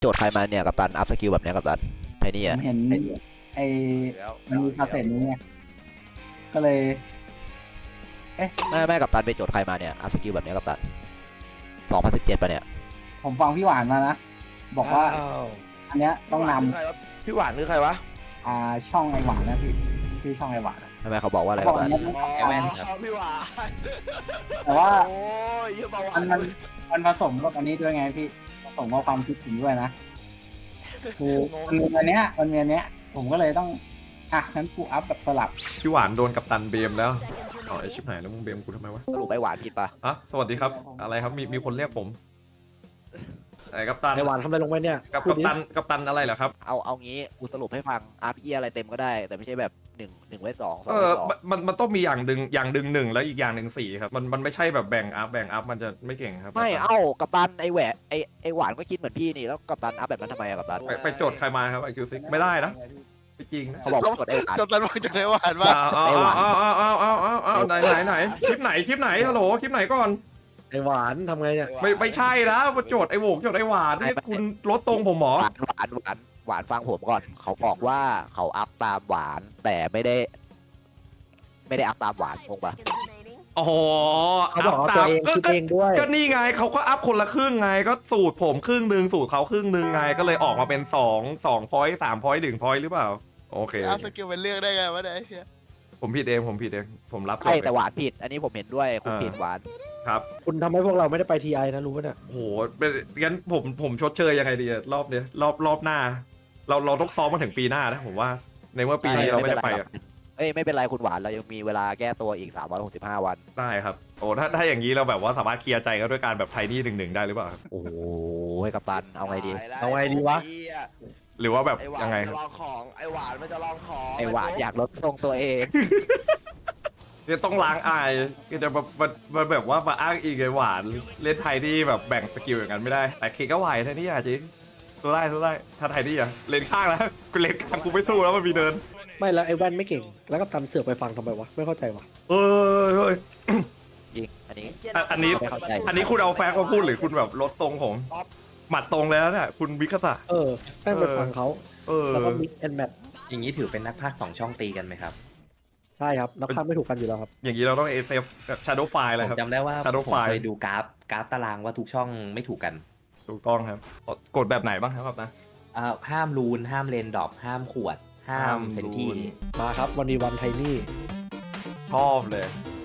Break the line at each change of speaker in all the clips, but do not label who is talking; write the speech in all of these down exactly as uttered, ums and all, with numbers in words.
โจทย์ใครมาเนี่ยกัปตันอัพสกิลแบบเนี้ยกัปตันไอ้นี่
ผ
อ่ะ
มเห็นไอ้
แล้ว
มันมีฟาเซตนี้ไงก็เลย
ไม่ไม่กัปตันไปโจทย์ใครมาเนี่ยอัพสกิลแบบเนี้ยกัปตันสองพันสิบเจ็ดป่ะเนี่ย
ผมฟังพี่หวานมานะ บอกว่า
ว
อันเนี้ยต้องน
พี่หวานคือใครวะ
ำอ่าช่องไอหวานนะพี่พี่ช่องไอหวานอะ
ทำไมเขาบอกว่าอะไร
เขา
กั
บอก
ปตัน
อันเนี้ยต้อง
อ๋อ
แว่นครับ
พี่หวาน
แต่ว่า
โอ้ยเยอะเบาหวา
มัน นมันมันผสมกับอันนี้ด้วยไงพี่ผสมกับความคิดถึงด้วยนะคือมันมีอันเนี้ยมันมีอันเนี้ย ผมก็เลยต้องอ่ะงั้นกูอัพแบบสลับ
พี่หวานโดนกัปตันเบมแล้วอ๋อไอชิบหายแล้วมึงเบมกูทำไมวะ
สรุปไอ้หวานผิดปะ
อ่ะสวัสดีครับอะไรครับมีมีคนเรียกผมไอ้กัปตัน
ไอหวานทำอะไรลงไปเนี่ย
กับ
พู
กั
ด
ป
ดิ
ตันกัปตันอะไรเหรอครับ
เอาเอางี้กูสรุปให้ฟังอาร์พีอะไรเต็มก็ได้ แต่ไม่ใช่แบบหนึ่งหนึ่งไว้สองสอง
เอ
ไว้
อ
สอง
มันมันมันต้องมีอย่างดึงอย่างดึงหนึ่งแล้วอีกอย่างหนึ่งสี่ครับมันมันไม่ใช่แบบแบ่งอัพแบ่งอัพมันจะไม่เก่งครับ
ไม่เอ้ากัปตันไอ้แหวะไอ้ไอ้หวานก็คิดเหมือนพี่นี่แล้วกัปตันอัพแบบนั้นทำไมอะกัปตัน
ไปไปโจทย์ใครมาครับไอคิวซิกไม่ได้นะไม่จริงนะ
เขาบอกว่าโจทย์ไอ้หวาน
กัปตันบอกจะได้หวานว่า
อ้าวอ้าวอ้าวอ้าวอ้าวอ้าวอ้าวไหนไหนไหนคลิปไหนคลิปไหนฮัลโหลคลิปไหนก่อน
ไอหวานทำไงเนี่ย
ไม่ไม่ใช่นะมาโจทย์ไอโหวกโจทย์ไอหวานนี่คุณลดทรงผมหมอ
หวานหวานหวานหวานฟังผมก่อน เขาบอกว่าเขาอัพตามหวานแต่ไม่ได้ ไม่ได้อัพตามหวานงงปะ
อ๋อ
เขาบอกเอา
ต
ตัว
ม
เอง
ก็
คิด
ก็
เองด้วย
ก็นี่ไงเขาก็อัพคนละครึ่งไงก็สูตรผมครึ่งหนึ่งสูตรเขาครึ่งหนึ่งไงก็เลยออกมาเป็นสองสองพอยต์สามพอยต์หนึ่งพอยต์หรือเปล่าโอเค
เอาสกิลเป็นเรื่องได้ไงวะเนี่ย
ผมผิดเองผมผิดเองผมรับ
ใช่
ผิด
แต่หวานผิด อันนี้ผมเห็นด้วยคุณผิดหวาน
ครับ
คุณทำให้พวกเราไม่ได้ไปทีไอนะรู้ป่ะเนี่ย
โหเป็นงั้นผมผมชดเชยยังไงดีอะรอบเนี้ยรอบรอบหน้า เราเราต้องซ้อมมาถึงปีหน้านะผมว่าในเมื่อปีนี้เราไม่ได้ไปอะ
เอ้ยไม่เป็นไรคุณหวานเรายังมีเวลาแก้ตัวอีกสามร้อยหกสิบห้าวัน
ได้ครับโอ้ถ้าถ้าอย่างนี้เราแบบว่าสามารถเคลียร์ใจกันด้วยการแบบไทนี่หนึ่งหนึ่งได้หรือเปล่าครับ
โอ้โหให้กัปตันเอาไงดี
เอาไงดีวะ
หรือว่าแบบ
ไอหวาน
ยังไง
จะ
ครับ
ลองของไอหวานมันจะลองของ
ไอหวานอยากลดทรงตัวเอง
เนี่ยต้องล้างอายคือจะมามามาแบบว่ามาอ้างอีกไงหวานเล่นไทยที่แบบแบ่งสกิลอย่างนั้นไม่ได้แต่เคก็ไหวไทนี่อะจริงสู้ได้สู้ได้ถ้าไทนี่อะเลนข้างแล้วกูเลนข้างกูไม่สู้แล้วมันมีเดิน
ไม่แล้วไอแว่นไม่เก่ง แล้วก็ตันเสือกไปฟังทำไมวะไม่เข้าใจวะ
เออเฮ้ย
ยิงอันนี้
อ่ะอันนี้
ไม่เข้าใจ
อันนี้คุณเอาแฟกต์มาพูดหรือคุณแบบลดตรงผมหมัดตรงแล้วเนี่ยคุณวิคสะ
เออแม่งไปฟังเขา
เออ
แล้วก็มิกแอนแมท
อย่างนี้ถือเป็นนักพากย์สองช่องตีกันไหมครับ
ใช่ครับนักพากย์ไม่ถูกกันอยู่แล้วครับ
อย่างนี้เราต้องเอเซฟแบบชาร์โดไฟเลย
ผ
ครับ
มจำได้ว่า
Shadow
ผม
File
เคยดูกราฟกราฟตารางว่าทุกช่องไม่ถูกกัน
ถูกต้องครับกดแบบไหนบ้างครับนะ
อ่าห้ามรูน ห้ามเลนดรอปห้ามขวด ห้าม
ห้าม
เซนที่
รูน
มาครับวันนี้วันไทนี่
ชอบเลย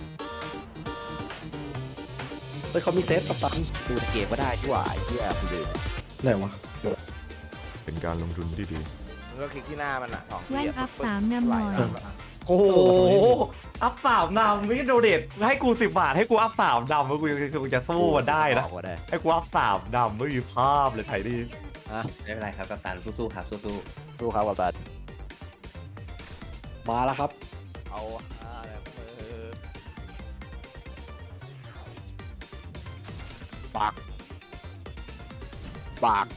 เฮ้ยเขามีเซฟกับตัน
ดูในเกมก็ได้ที่ว่าไอ้เหี้ยคุณลืม
ไหนวะ
เป็นการลงทุนที่ดี
มึงก็คลิกที่หน้ามันอะสอง
แว่นอัพสามนำหน่อย
โอ้โหอัพสามดำไม่โดเดทให้กูสิบบาทให้กูอัพสามดำแล้วกูกูจะสู้มันได้นะ
บอกว่าได้
ให้กูอัพสามดำไม่มีภาพเลยไทยดี
ไม่เป็นไรครับกัปตันสู้ๆครับสู้
ดูเขากัปตัน
มาแล้วครับ
เอาอะไรมือ
ปากปาก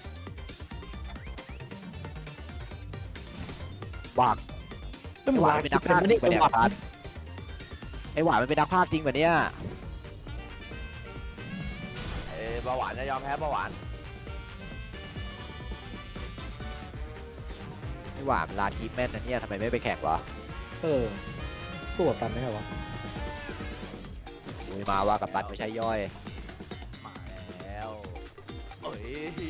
ปาก
ไม่เหมือน
หวาน
ลา
เป็น
คิ
นั
ด
ก
เป็น
พากย์
ไม่
จริ
ได้
งปะเนี่ย
หวา
พั
น
ดไอหวานมันเป็นนักพากย์จริงปะเนี่ย
เอ้ยเบาหวานจะยอมแพ้เบาหวาน
ไอหวานมันลานคีแม่นนะเนี่ยทำไมไม่ไปแข่งวะ
เออสู้กับตันได้ไงวะ
โอ้ยมาว่ากัปตันไม่ใช่ย่อย
มาแล้วเอ้ย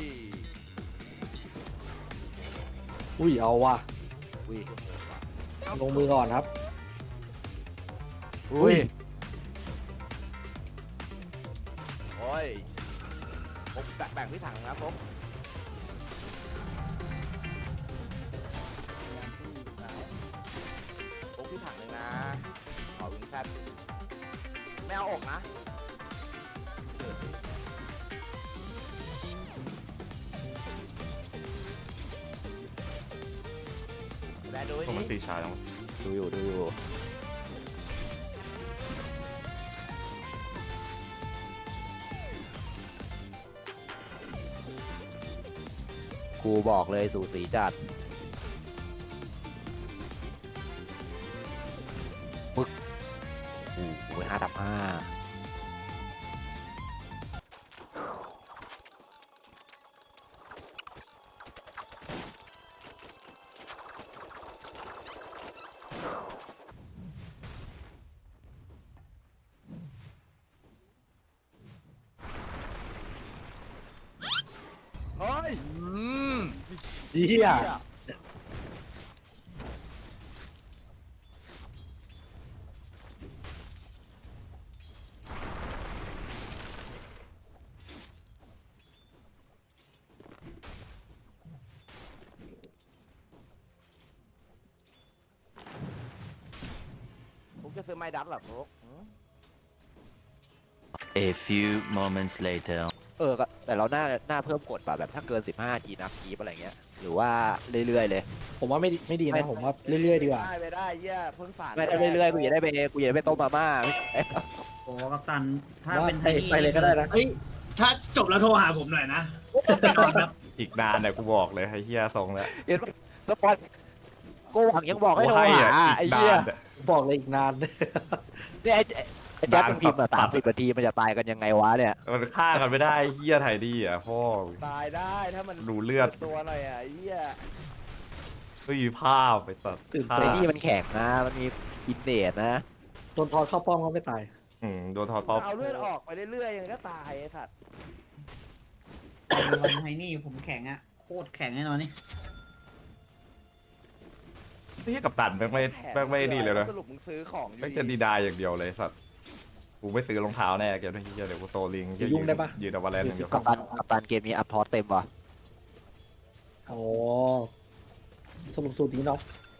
อุ้ยเอาว่ะ
อุ้ย
ลงมือก่อนครับ
อุ้ย
โอ้ยผมแบ่งพี่ถังนะผมผมพี่ถังเลยนะขอวิงแซดไม่เอาอกนะแบดู
ต้อง
นี่
มันตีชาแล้ว
ดูอยู่ดูอยู่กูบอกเลยสูสีจัดปึ๊กโอ้โหห้าดับห้า
ย
เฮีย
ผมจะซื้อไม้ดับเหรอพวก
A few moments later.
เออก็แต่เราหน้าหน้าเพิ่มกฎป่ะแบบถ้าเกินสิบห้าทีนับคีบอะไรเงี้ยหรือว่าเรื่อยๆเลย
ผมว่าไม่ดีไม่ดี
ไม่
นะผมว่าเรื่อยๆดีกว่า
ได้ไปได้เหี้ยเพิ่งสาร
ไม่ถ้าเรื่อยๆกูอยากได้ไปกูอยากได้ไปต้มมาม่า
โอ้กัปตัน ถ้า
ว่า
เป็นไท
ไป
นี่
ไปเลยก็ได้นะ
เฮ้ย ถ้าจบแล้วโทรหาผมหน่อยนะ
อีกนานเนี่ยกูบอกเลยไอ้เหี้ยทรงแล้ว
เห็นปะสปอนกูหวังยังบอกให้
กู
โทร
ให้
หา
อ่ะ
ไอ้
อีก
เหี้ย
นานเนี่ย
บอกเลยอีกนาน
เนี่ยไอ้ไอ้แจ็คมันพิมพ์มา
ตั
สา
ด
มสิบนาทีมันจะตายกันยังไงวะเนี่ย
มันฆ่ากันไม่ได้เหี้ยไทยดีอ่ะพ่อ
ตายได้ถ้ามัน
ดูเลือด
ตัวหน่อยอ่ะไอ้เหี้ย
ไม่มีภาพไปตัด
ตื่น
ฆ่า
ไอ้นี่มันแข็งนะมันมีอินเดตนะ
โดนทอดเข้าป้อมก็ไม่ตาย
อืมโดนทอท็อป
เอาเลือดออกไปเรื่อยๆยังก็ตายไอ้สัตว์
วันไทนี่ผมแข็งอะโคตรแข็งแน่นอนนี่
นี่กับตันแม่งไม่แม่งไม่นี่เลยนะ
สรุปมึงซื้อของอยู่
แม่งจะดีดายอย่างเดียวเลยสัตว์กูไม่ซื้อรองเท้าแน่เกมนี้เหี้ยเดี๋ยวกูโซลิง
จะยุ่งได้ปะ
ยืนเอาวาเลนอย่างเดียว
กัปตันกัปตันเกมนี้อัพพอร์ตเต็มว่ะ
อ๋อสรุปสูตรนี้เนาะ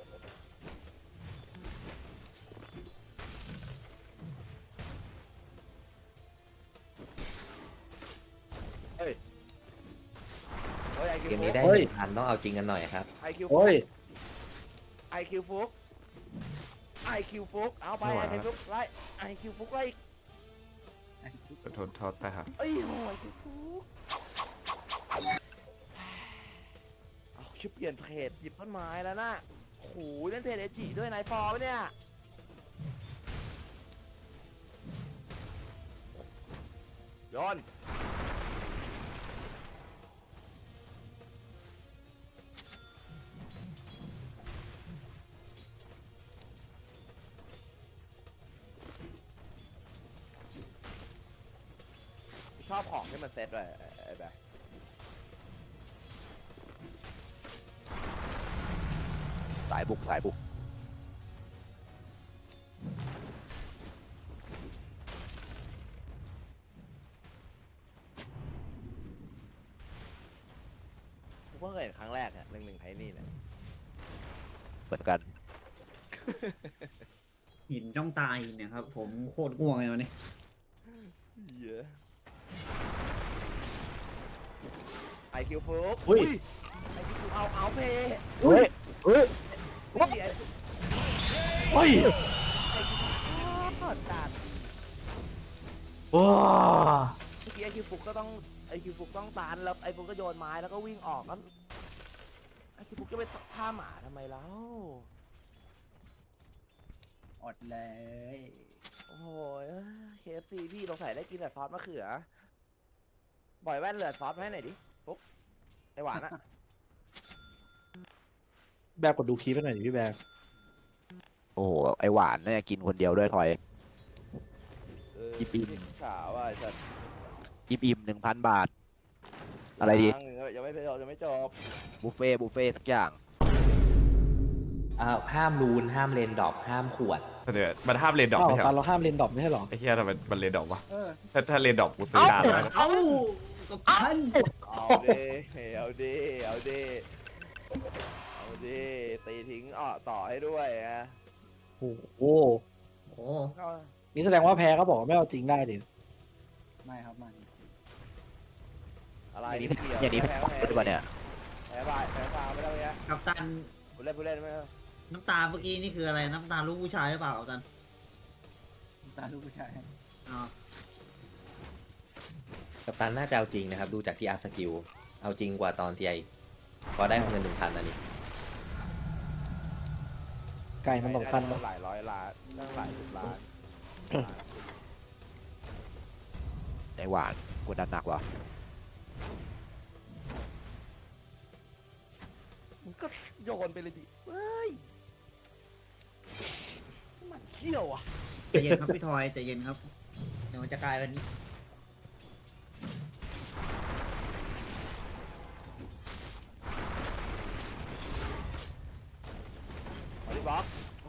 เฮ้ยไอคิว
เกม
ฟุ
นี้
ก
ได้หนึ่งพันต้องเอาจริงกันหน่อยครับ
ไอคิวฟุ
โอ้
ก
ย
ไอคิวฟุกไอคิวฟุกเอาไปไอคิวฟุกไล่ไอคิวฟุกไล่
โทษโทษไปครับ
เอ้ยโหไอคิวฟุกเอาชื่อเปลี่ยนเทรดหยิบต้นไม้แล้วนะโอ้โหเล่นเทรดเอจิด้วยนายฟอร์ปะเนี่ยย้อนชอบของที่มันเซ็ตด้วยไอ้แบบ
สายบุกสายบุก
ผมเพิ่งเคยเห็นครั้งแรกเนี่ยหนึ่งหนึ่งไทนี่เนี่ย
เหมือนกัน
หินจ้องตายเนี่ยครับ ผมโคตรง่วงเลยวันนี้
เยอะไอคิวฟุก
อุ้ย
ไอคิวฟุกเอาเอาเพย์
เฮ้ยเฮ้ย
ไอคิว
เฮ้ย
ฟุกจัด
ว้า
เมื่อกี้ไอคิวฟุกก็ต้องไอคิวฟุกต้องตานแล้วไอฟุกก็โยนไม้แล้วก็วิ่งออกแล้วไอคิวฟุกจะไปฆ่าหมาทำไมแล้ว
อดเลย
โอ้โหเคเอฟซีพี่สงสัยได้กินแต่ซอสมะเขือบ่อยแว่นเหลือซอสมาให้หน่อยดิฟุกไอหวานอะ
แบกกดดูคลิปให้หน่อยดิพี่แบก
โอ้โหไอหวานเนี่ยกินคนเดียวด้วยทอย
เออ
อิ่ม
ขาวอ่ะไอ้สัส
อิ่มอิ่มหนึ่งพันบาท อะไรดี
ยังยังไม่จบยังไม่จบ
บุฟเฟ่ต์บุฟเฟ่ต์ทุกอย่าง
อ่าห้ามรูนห้ามเลนดรอปห้ามขวด
เดี๋ยวมันห้ามเลนดรอป
อ้าว
ไม่ใช่เห
ต
ร
อน
อ
เราห้ามเลนดรอปไม่ใช่เหรอ
ไอ้เหี้ยทำไมมันเลนดรอปวะ
เออ
ถ้าถ้าเลนดรอปกูซื้อดานแล้วนะ
เอ้ากัปตัน
เอาเด้เอาเด้เอาเด้เอาเด้ตีทิ้งอ่อต่อให้ด้วยนะ
โอ้โห
โอ้
ก็
นี่แสดงว่าแพ้เขาบอกว่าไม่เอาจริงได้ดิ
ไม่ครับไม่
อะไร
อย่างนี้
ไม่เกี่ยว
อย่างนี้
แพ้
เป็น
แพ้
หรือเปล่าเนี่ย
แพ้บายแพ้ฟาวไม่ได้เงี้ย
กัปตัน
ผู้เล่นผู้เล่นไม่ได้
น้ำตาเมื่อกี้นี่คืออะไร น้ำตาลูกผู้ชายหรือเปล่ากัปตัน
ตาลูกผู้ชาย
อ๋อ
กัปตันน่าจะเอาจริงนะครับ ดูจากที่อัพสกิล เอาจริงกว่าตอนที่ไอพอได้เงินหนึ่งพันอันนี้
ไก่มันสำคัญ
ได้
นะ
หลายร้อยล้านตั้งหลายสิบล้าน
ไอหวานกดดันหนักว่ะ
มึงก็โยนไปเลยดิเฮ้ยมันเขี้ยวอ่ะ
ใจเย็นครับพี่ทอยใจเย็นครับ เดี๋ยวมันจะกลายเป็น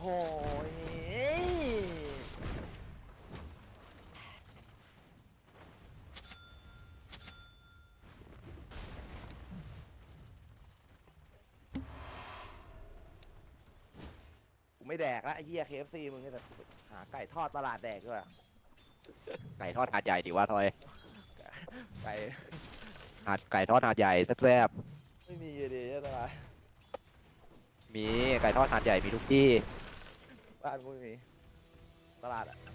กูไม่แดกละไอ้เหี้ย เค เอฟ ซี มึงเนี่ยแต่หาไก่ทอดตลาดแดกด้วย
ไก่ทอดหาดใหญ่ดีว่าทอย
ไก่
หาดไก่ทอดหาดใหญ่แซ่บ
ไม่มีดิตลาด
ๆมีไก่ทอดหาดใหญ่มีทุกที่
บ้านกูไม่มีตลาดอะ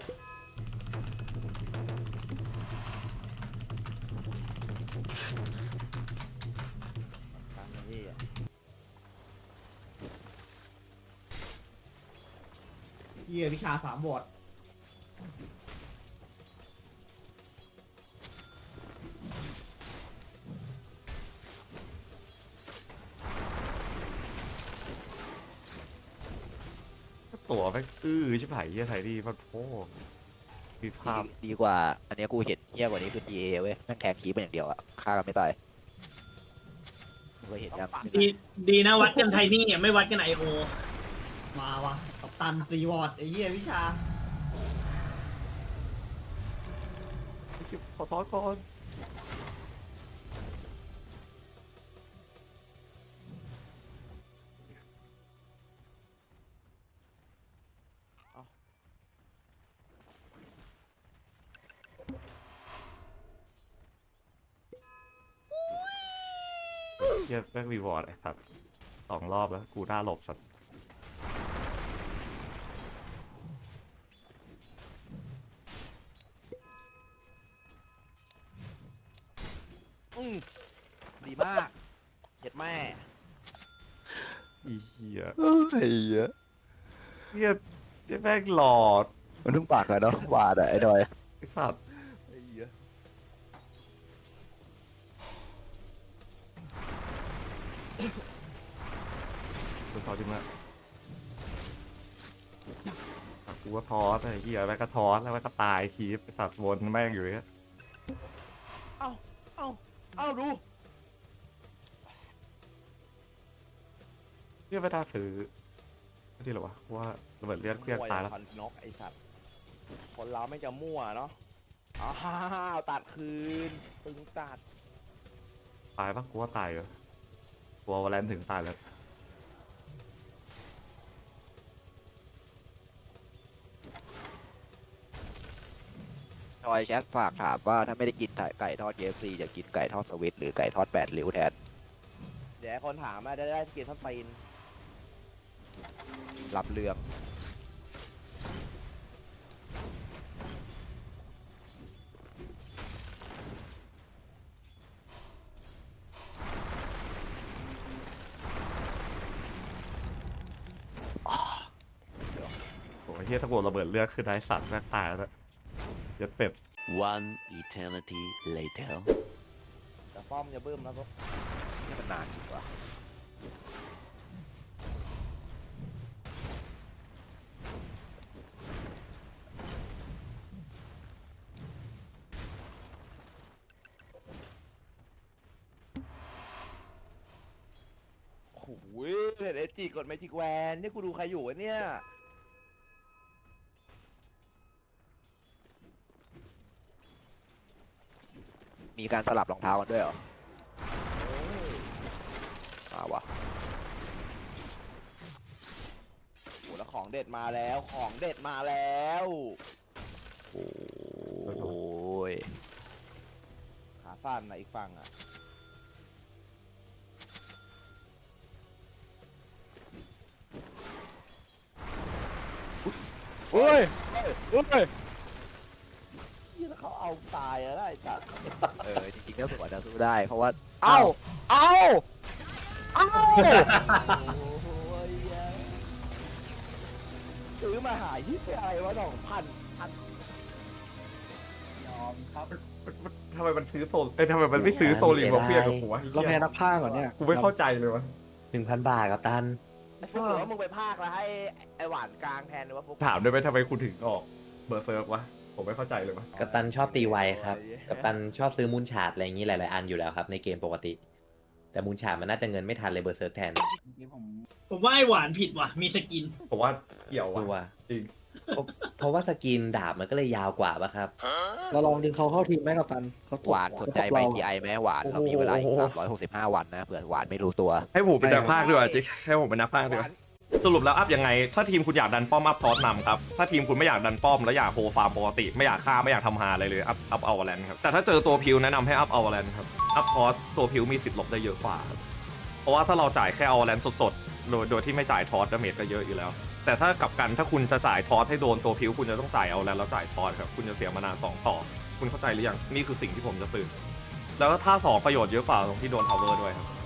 ตามนี้อะ
เหี้ยวิชาสามบท
ตัวแม่งอื้อชิบหายเฮียไทยดีมันโอ้มีภาพ
ดีดีกว่า อันเนี้ยกูเห็นเฮี้ยกว่านี้คือ จี เอ เว้ยแม่งแทงคีบมันอย่างเดียวอะฆ่ากันไม่ตายมึงเคยเห็นยัง
ดีดีนะวัดกันไทนี่เนี่ยไม่วัดกันไอโอ
มาวะกัปตันซีวอร์ดไอ้เหี้ยวิชา
ขอโทษก่อน เฮียแม่งรีวอร์ดไอ้สัตว์สองรอบแล้วกูน่าหลบสัตว์
อืมดีมากเจ็ดแม่
อีเฮีย
เฮ้ย
เฮียเจ๊แม่งหลอด
มันเพิ่งปากเลยเนาะวาดอะไอ้ดอย
ไอ้สัตว์กูทอจริงละกูก็ทอสไอ้เฮียแม่งก็ทอสแล้วแม่งก็ตายคีบไอ้สัตว์วนแม่งอยู่อย่างเงี้ย
เอ้าเอ้าเอ้าดู
เรียกไม่ได้ซื้อไม่ดีหรอวะว่าระเบิดเลือดเครื่องตายแล้ว
พันนกไอ้สัตว์คนเราไม่จะมั่วเนาะอ้าวตัดคืนตึงตัด
ตายปะกูว่าตายเหรอกูวอลเลนถึงตายแล้ว
ดอยแชทฝากถามว่าถ้าไม่ได้กินไก่ทอด เค เอฟ ซี จะกินไก่ทอดสวิตหรือไก่ทอดแปดริ้วแทน
เดี๋ยวคนถามมาได้ได้เกียรติท่านตีน
รับเรื่อง
โอ้ยเฮียตะโกนระเบิดเลือดคือได้สัตว์แม่งตายแล้วยัดเป็ด
One eternity later.
แต่ป้อมจะบึ้มแล้วก็
นี่มันนานจริงวะ
โอ้โหเด็ดเอจีกดเมจิกแวนนี่กูดูใครอยู่วะเนี่ย
มีการสลับรองเท้ากันด้วยเหรอมาวะ
โอ้แล้วของเด็ดมาแล้วของเด็ดมาแล้ว
โอ้ย
ขาสั้นนะอีกฝั่งอ่ะ
โอ้ยโอ้ย
นี่แล้วเขาเอาตายแล้วได้จัด
เออจริงๆก็สวนจะสู้ได้เพราะว่า เอ้า เอ้า เอ้า
โอ้ยซื้อมาหายี่สิบอะไรวะสองพันพัน
ยอมครับ
ทำไมมันซื้อโซลเอ้ยทำไมมันไม่ซื้อโซลิมมาเพียงกับกูวะ
เราแพ้นักผ้าก่อนเนี่ย
กูไม่เข้าใจเลยวะ
หนึ่งพันบาทกัปตัน
ไอ้ฟุกหรือว่ามึงไปภาคแล้วให้ไอหวานกลางแทนหรือว่าฟุก
ถามได้ไหมทำไมคุณถึงออกเบอร์เซิร์ฟวะผมไม่เข้าใจเลยวะ
กัปตันชอบตีไวครับ กัปตันชอบซื้อมูลฉาดอะไรอย่างนี้หลาย ๆ อันอยู่แล้วครับในเกมปกติแต่มูลฉามันน่าจะเงินไม่ทันเลยเบอร์เซิร์กแทน
นี่ผม
ผมว่าไอหวานผิดว่ะ มีสกิน
ผมว่าเกี่ยว
ดู
ว่ะ
ว่า
จริง
เพราะเพราะว่าสกินดาบมันก็เลยยาวกว่าป่ะครับ
เราลองดึงเขาเข้าทีมไหมกับตันเขาตก
หวานสนใจ
เขาตก
ไป
เรา
ทีไอไหมหวานเรามีเวลาอีก
โอ้โห
สามร้อยหกสิบห้าวันนะเผื่อหวานไม่รู้ตัว
ให้ผมเป็นนักพากย์ดีกว่าจริงให้ผมเป็นนักพากย์ดีกว่าสรุปแล้วอัพยังไง ถ้าทีมคุณอยากดันป้อมอัพทอสนำครับ ถ้าทีมคุณไม่อยากดันป้อมแล้วอยากโฮฟาร์มปกติ ไม่อยากฆ่าไม่อยากทำฮาอะไรเลยอัพอัพเอาแลนครับ แต่ถ้าเจอตัวพิวแนะนำให้อัพเอาแลนครับอัพทอสตัวพิวมีสิทธิ์หลบได้เยอะกว่าครับเพราะว่าถ้าเราจ่ายแค่เอาแลนสดๆโดยโดยที่ไม่จ่ายทอสดาเมจก็เยอะอยู่แล้ว แต่ถ้ากลับกันถ้าคุณจะจ่ายทอสให้โดนตัวพิวคุณจะต้องจ่ายเอาแลนแล้วจ่ายทอสครับคุณจะเสียมานาสองต่อคุณเข้าใจหรือยังนี่คือสิ่งที่ผมจะสื่อแล้วก็ท่าสองประโยชน์เยอะกว่าตรงที่โดนทาวเวอร์ด้วยครับ